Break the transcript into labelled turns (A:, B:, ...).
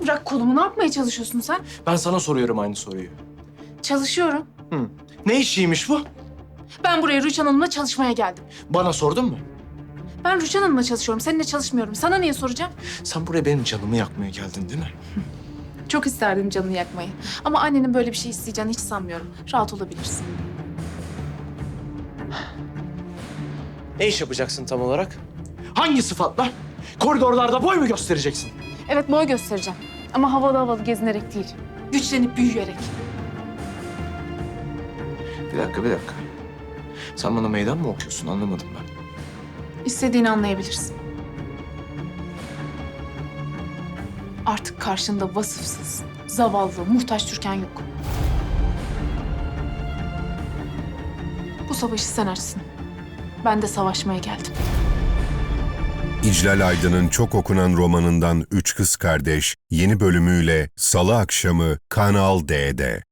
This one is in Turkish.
A: bırak kolumu. Ne yapmaya çalışıyorsun sen?
B: Ben sana soruyorum aynı soruyu.
A: Çalışıyorum.
B: Ne işiymiş bu?
A: Ben buraya Rüçhan Hanım'la çalışmaya geldim.
B: Bana sordun mu?
A: Ben Rüçhan Hanım'la çalışıyorum. Seninle çalışmıyorum. Sana niye soracağım?
B: Sen buraya benim canımı yakmaya geldin değil mi?
A: Çok isterdim canını yakmayı. Ama annenin böyle bir şey isteyeceğini hiç sanmıyorum. Rahat olabilirsin.
B: Ne iş yapacaksın tam olarak? Hangi sıfatla? Koridorlarda boy mu göstereceksin?
A: Evet, boy göstereceğim. Ama havalı havalı gezinerek değil. Güçlenip büyüyerek.
B: Bir dakika. Sen bana meydan mı okuyorsun anlamadım ben.
A: İstediğini anlayabilirsin. Artık karşında vasıfsız, zavallı, muhtaç Türkan yok. Bu savaşı sen açsın. Ben de savaşmaya geldim.
C: İclal Aydın'ın çok okunan romanından Üç Kız Kardeş yeni bölümüyle Salı akşamı Kanal D'de.